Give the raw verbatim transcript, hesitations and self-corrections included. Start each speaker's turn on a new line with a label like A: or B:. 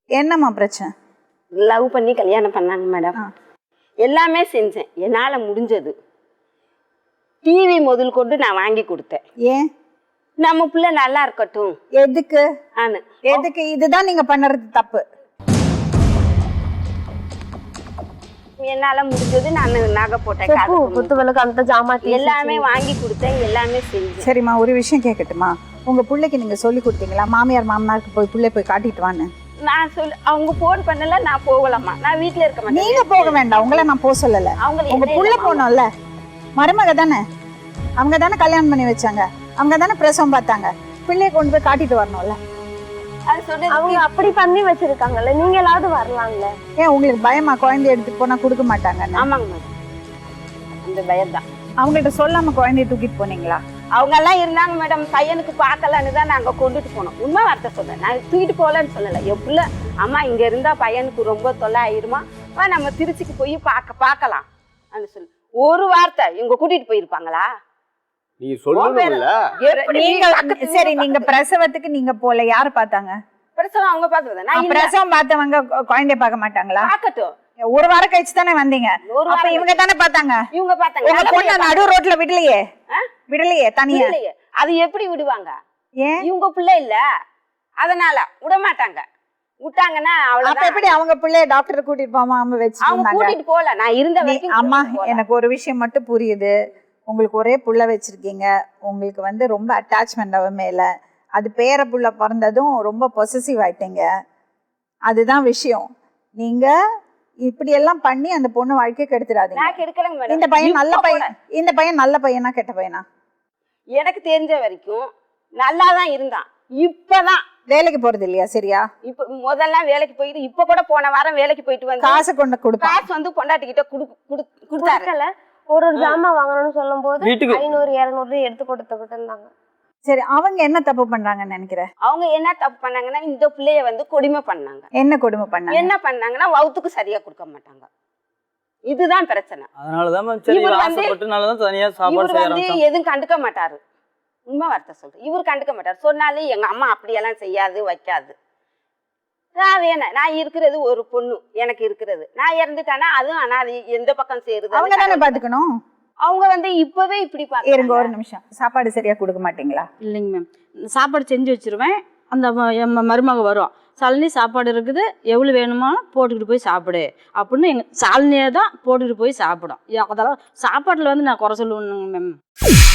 A: என்னம்மா பிரச்சனை?
B: லவ் பண்ணி கல்யாணம் பண்ணாங்க மேடம். எல்லாமே செஞ்சேன் என்னால் முடிஞ்சது. டிவி முதல் கொண்டு நான் வாங்கி கொடுத்தேன்.
A: ஏன்?
B: நம்ம பிள்ளை நல்லா இருக்கட்டும்.
A: எதுக்கு?
B: ஆனு
A: எதுக்கு? இதுதான் நீங்க பண்ணுறது தப்பு.
B: என்னால முடிஞ்சது நான் நகை போட்டேன்,
C: குத்துவிளக்கு அந்த ஜாமான்
B: எல்லாமே வாங்கி கொடுத்தேன், எல்லாமே செஞ்சேன்.
A: சரிம்மா, ஒரு விஷயம் கேட்கட்டுமா? உங்க பிள்ளைக்கு நீங்க சொல்லி கொடுத்தீங்களா மாமியார் மாமனாருக்கு போய் பிள்ளை போய் காட்டிட்டு வான்னு?
B: நான் சொல்லி அவங்க போன் பண்ணல, நான் போகலாமா? நான் வீட்டுல இருக்க மாட்டேன்.
A: நீங்க போக வேண்டாம், உங்களை நான் போக சொல்லல.
B: அவங்க
A: உங்க புள்ள போனோம்ல, மருமக தானே, அவங்க தானே கல்யாணம் பண்ணி வச்சாங்க, அவங்க தானே பிரசவம் பார்த்தாங்க, பிள்ளைய கொண்டு போய் காட்டிட்டு வரணும்ல.
B: அது சொன்னது
C: அவங்க அப்படி பண்ணி வச்சிருக்காங்கல்ல, நீங்களாவது வரலாம்ல.
A: ஏன் உங்களுக்கு பயமா குழந்தைய எடுத்துட்டு போனா கொடுக்க மாட்டாங்க?
B: ஆமாங்க மேடம், அந்த பயம் தான்.
A: அவங்கள்ட்ட சொல்லாம குழந்தைய தூக்கிட்டு போனீங்களா?
B: அவங்க எல்லாம் இருந்தாங்க மேடம், பையனுக்கு பார்க்கலான்னு தான் நாங்க கொண்டுட்டு போனோம். உண்மை வார்த்தை சொன்னேன், நான் தூக்கிட்டு போகலன்னு சொல்லலை. எப்படில அம்மா இங்க இருந்தா பையனுக்கு ரொம்ப தொல்லை ஆயிருமா, வா நம்ம திருச்சிக்கு போய் பார்க்க பார்க்கலாம் அப்படின்னு சொல்லி ஒரு வார்த்தை இவங்க கூட்டிட்டு போயிருப்பாங்களா?
D: நீ சொல்லணும்ல.
A: நீங்க சரி, நீங்க பிரசவத்துக்கு நீங்க போல, யாரு பார்த்தாங்க?
B: பிரசவம் அவங்க பார்த்தது. நான்
A: பிரசவம் பார்த்தவங்க குழந்தைய பார்க்க மாட்டாங்களா?
B: பார்க்கட்டும்,
A: ஒரு வாரம் கழிச்சு தானே வந்தீங்க, அப்ப இவங்க தானே பார்த்தாங்க.
B: இவங்க பார்த்தாங்க.
A: நடு ரோட்ல விடலையே, விடலையே தனியா.
B: அது எப்படி விடுவாங்க?
A: ஏன்?
B: இவங்க பிள்ளை இல்ல, அதனால விட மாட்டாங்க. விட்டாங்கன்னா
A: அப்ப எப்படி அவங்க பிள்ளைய டாக்டர் கூட்டிட்டு போகாம வச்சு?
B: அவங்க கூட்டிட்டு போல, நான் இருந்த வரைக்கும்.
A: அம்மா, எனக்கு ஒரு விஷயம் மட்டும் புரியுது. உங்களுக்கு ஒரே புள்ள வச்சிருக்கீங்க, உங்களுக்கு வந்து ரொம்ப அட்டாச்மெண்ட் அவ மேல. அது பேர புள்ள பிறந்ததும் ரொம்ப பொசசிவ் ஆயிட்டீங்க, அதுதான் விஷயம். நீங்க இப்படி எல்லாம் பண்ணி அந்த பொண்ணு வாழ்க்கையை கெடுத்துடாதீங்க.
B: நான் கெடுக்கலங்க மேடம்.
A: இந்த பையன் நல்ல பையன், இந்த பையன் நல்ல பையனா கெட்ட பையனா?
B: எனக்கு தெரிஞ்ச வரைக்கும் நல்லா தான் இருந்தான். இப்பதான்
A: வேலைக்கு போறது இல்லையா? சரியா? இப்ப
B: முதல்ல வேலைக்கு போயிட்டு, இப்ப கூட போன வாரம் வேலைக்கு போயிட்டு வந்து
A: காசு கொண்டு கொடுப்பா.
B: காசு வந்து பொண்டாட்டிக்கிட்ட கொடுத்தாரு.
C: ஒரு ஒரு ஜாமான் வாங்கணும்னு சொல்லும் போது ஐநூறு இருநூறு எடுத்து கொடுத்துக்கிட்டு இருந்தாங்க.
A: சரி, அவங்க என்ன தப்பு பண்றாங்கன்னு நினைக்கிறேன்?
B: அவங்க என்ன தப்பு பண்ணாங்கன்னா, இந்த பிள்ளைய வந்து கொடுமை பண்ணாங்க.
A: என்ன கொடுமை பண்ணாங்க?
B: என்ன பண்ணாங்கன்னா, வவுத்துக்கு சரியா கொடுக்க மாட்டாங்க. இதுதான் பிரச்சனை.
D: அதனாலதான் சரி ஆசைப்பட்டனாலதான் தனியா சாப்பாடு செய்யறாங்க.
B: எதுவும் கண்டுக்க மாட்டாரு. உண்மை வார்த்தை சொல்றேன், இவர் கண்டுக்க மாட்டாரு. சொன்னாலும் எங்க அம்மா அப்படியெல்லாம் செய்யாது வைக்காது. நான் வேணாம், நான் இருக்கிறது ஒரு பொண்ணு, எனக்கு இருக்கிறது. நான் இறந்துட்டானா அதுவும் அனாதை, எந்த பக்கம் சேருது?
A: அவங்க தானே பாத்துக்கணும்.
B: அவங்க வந்து இப்பவே இப்படி பாக்க.
A: இருங்க ஒரு நிமிஷம், சாப்பாடு சரியா கொடுக்க மாட்டீங்களா?
E: இல்லைங்க மேம், சாப்பாடு செஞ்சு வச்சிருவேன். அந்த மருமக வரும், சாலினி சாப்பாடு இருக்குது, எவ்வளோ வேணுமோ போட்டுக்கிட்டு போய் சாப்பிடு அப்படின்னு எங்கள் சாலினியே தான் போட்டுக்கிட்டு போய் சாப்பிடும். அதெல்லாம் சாப்பாட்டில் வந்து நான் குறை சொல்லுவேனுங்க மேம்.